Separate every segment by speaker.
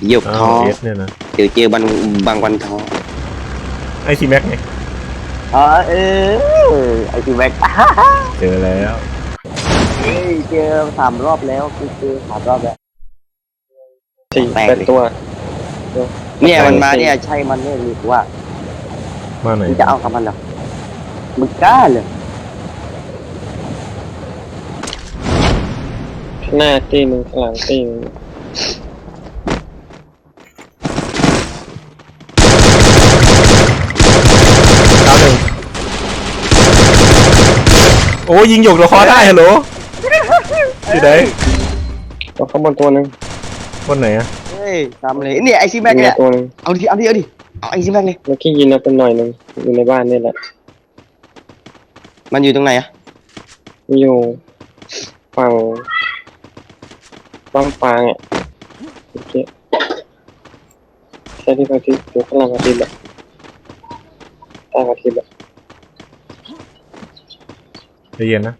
Speaker 1: หยกท้อ
Speaker 2: เนี่ยนะ
Speaker 1: เดี๋ยวเจอบางวันท้อ
Speaker 2: ไอซีแม็กไง
Speaker 1: อ๋อไอซีแม็ก
Speaker 2: เจอแล้ว
Speaker 1: เจอ3 รอบแล้วคือเจอ3 รอบแล้ว
Speaker 3: 4-8 ตัว
Speaker 1: เนี่ยมันมาเนี่ยใช่มันเนี่ยหรือว่า
Speaker 2: มาไหน
Speaker 1: มึงจะเอากับมันเหรอมึงกล้าเลย
Speaker 3: หน้าตีหนึ่งข้างหลังตีหนึ่ง
Speaker 2: ดาวหนึ่งโอ้ยิงหยกตัวคอได้ฮัลโหลที่ไหน
Speaker 3: ตัวข้างบนตัวหนึ่ง
Speaker 2: บนไหนอะ
Speaker 1: เฮ้ยทำเลยเนี่ยไอซีแม็กเนี่ย
Speaker 3: ตัวหนึ่ง
Speaker 1: เอาดิเอาไอซีแม็กเลย
Speaker 3: เมื่อกี้ยิงเราเป็นหน่อยหนึ่งอยู่ในบ้านนี่แหละ
Speaker 1: มันอยู่ตรงไหนอะ
Speaker 3: อยู่ฝั่งบ้านฟางอ่ะโอเคใช่ที่พระอาทิตย์อยู่ข้างหลังพระอาทิตย์แหละใต้พระอาทิตย์แหละ
Speaker 2: ใจเย็นนะ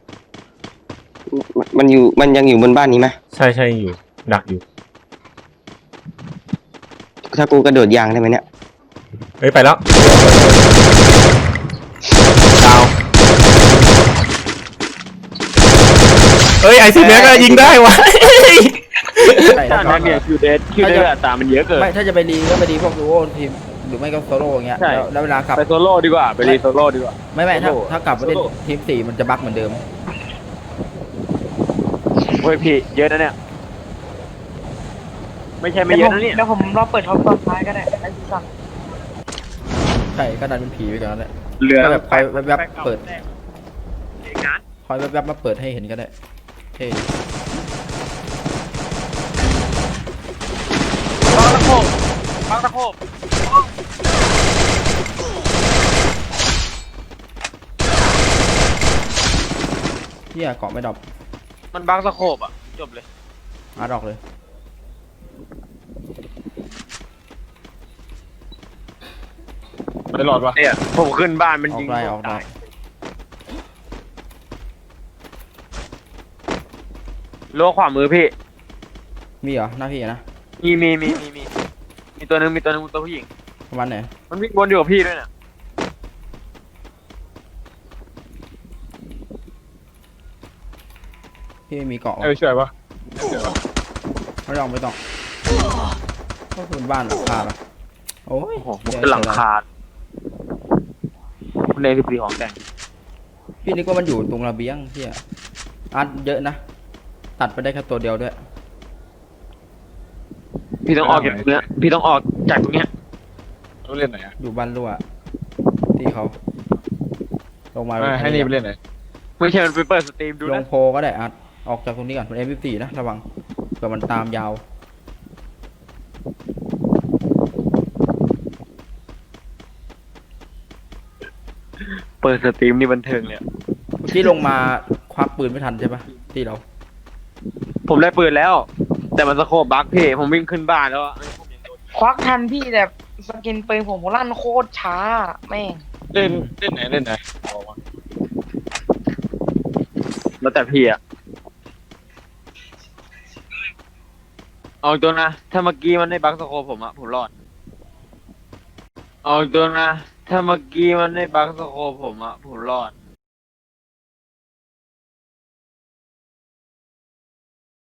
Speaker 1: มันยังอยู่บนบ้านนี้ไหม
Speaker 2: ใช่อยู่ดักอยู่
Speaker 1: ถ้ากูกระโดดยางได้ไหมเนี่ย
Speaker 2: เฮ้ยไปแล้วดาวเฮ้ยไอซีแม็กยิงได้วะ
Speaker 4: ตาเนี่ยคิวเดอร์ตามันเยอะเกิน
Speaker 5: ไม่ถ้าจะไปรีก็ไปรีพวกดูโอทีมหรือไม่ก็โซโล่อย่างเงี้ยแล้วเวลากลับ
Speaker 4: ไปโซโล่ดีกว่าไปรีโซโล่ดีกว่า
Speaker 5: ไม่ถ้ากลับมาเล่นทีม4มันจะบั๊กเหมือนเดิม
Speaker 4: เฮ้ยพี่เยอะนะเนี่ยไม่ใช่ไม่เยอะนะเนี่ย
Speaker 6: เดี๋ยวผมรอเปิดท็อปตอนท้ายก็ได้ไอ้ที่สั่ง
Speaker 5: ใช่ก็ดันเป็นผีไปก่อนแหละ
Speaker 4: เหลือ
Speaker 5: แบบคอยแวบๆเปิดคอยแวบๆมาเปิดให้เห็นก็ได้เท่
Speaker 4: บางตะโขบ
Speaker 5: เที่ยเกาะไม่ดรอป
Speaker 4: มันบางตะโขบอ่ะจบเลย
Speaker 5: ดอกเลย
Speaker 4: ไม่หลอดวะเนี่ยผมขึ้นบ้านมันยิง
Speaker 5: ออกได้
Speaker 4: โลขวามือพี่
Speaker 5: มีเหรอหน้าพี่นะ
Speaker 4: มีตัวนึงตัวผู้หญิง
Speaker 5: ประมาณไหน
Speaker 4: มันวิ่งวนอยู่กับพี่ด้วยเนี่ย
Speaker 5: พี่ไม่มีเกาะ
Speaker 4: ช่วยปะ
Speaker 5: ไม่ต้องก็คือบ้านหลังคาละโอ้ย
Speaker 4: เป็นหลังคาคุณเล่นที่ปีของแต่ง
Speaker 5: พี่นึกว่ามันอยู่ตรงระเบียงพี่อัดเยอะนะตัดไปได้แค่ตัวเดียวด้วย
Speaker 4: พี่ต้องออกจากตรงเนี้ยพี่ต้องออกจากตรงเนี้ย
Speaker 2: เล่นไหนอะ
Speaker 5: อยู่บ้านรั่วที่เขาลงมา
Speaker 2: ให้นี่ไปเล่นไหน
Speaker 4: ไม่ใช่มันไปเปิดสตรีมดูนะ
Speaker 5: ลงโพก็ได้อัดออกจากตรงนี้ก่อนเป็น M24 นะระวังเผื่อมันตามยาว
Speaker 4: เปิดสตรีมนี่บันเทิงเลย
Speaker 5: ที่ลงมาควักปืนไม่ทันใช่ปะที่เรา
Speaker 4: ผมได้ปืนแล้วแต่มันสโคปบั๊กพี่ผมวิ่งขึ้นบ้านแล้ว
Speaker 6: ควักทันพี่แต่สกินปืนผมลั่นโคตรช้าแม่ง
Speaker 4: เล่นไหนแล้วแต่พี่อะเอาตัวนะถ้าเมื่อกี้มันได้บั๊กสโคปผมอะผมรอดเอาตัวนะถ้าเมื่อกี้มันได้บั๊กสโคปผมอะผมรอด